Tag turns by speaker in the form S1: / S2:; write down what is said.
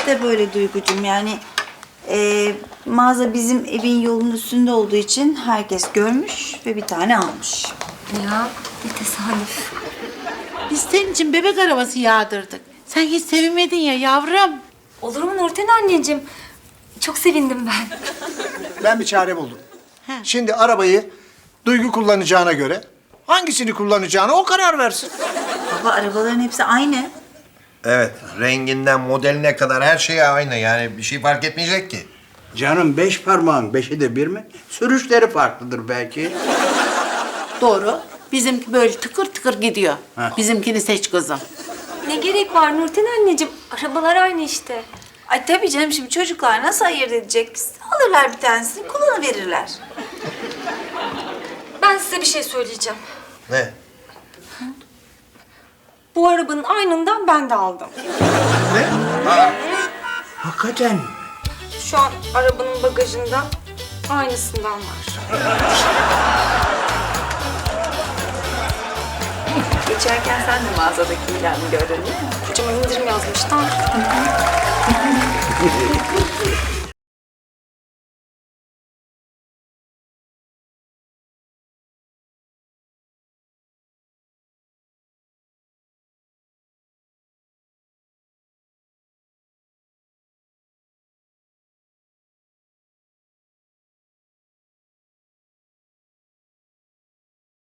S1: de böyle Duygucuğum. Yani mağaza bizim evin yolunun üstünde olduğu için herkes görmüş ve bir tane almış.
S2: Ya ne tesadüf.
S3: Biz senin için bebek arabası yağdırdık. Sen hiç sevinmedin ya yavrum.
S2: Olur mu Nurten anneciğim? Çok sevindim ben.
S4: Ben bir çare buldum. Şimdi arabayı Duygu kullanacağına göre hangisini kullanacağına o karar versin.
S1: Baba arabaların hepsi aynı.
S5: Evet, renginden modeline kadar her şey aynı. Yani bir şey fark etmeyecek ki.
S6: Canım 5 parmağın 5'i de bir mi? Sürüşleri farklıdır belki.
S3: Doğru. Bizimki böyle tıkır tıkır gidiyor. Bizimkini seç kızım.
S2: Ne gerek var Nurten anneciğim? Arabalar aynı işte.
S1: Ay tabii canım, şimdi çocuklar nasıl ayırt edecek? Alırlar bir tanesini, kullanıverirler.
S2: Ben size bir şey söyleyeceğim.
S5: Ne?
S2: Bu arabanın aynından ben de aldım.
S6: Hakikaten mi?
S2: Şu an arabanın bagajında aynısından var.
S1: Geçerken sen de mağazadaki ilanı gördün değil mi?
S2: Kocaman indirim yazmışlar.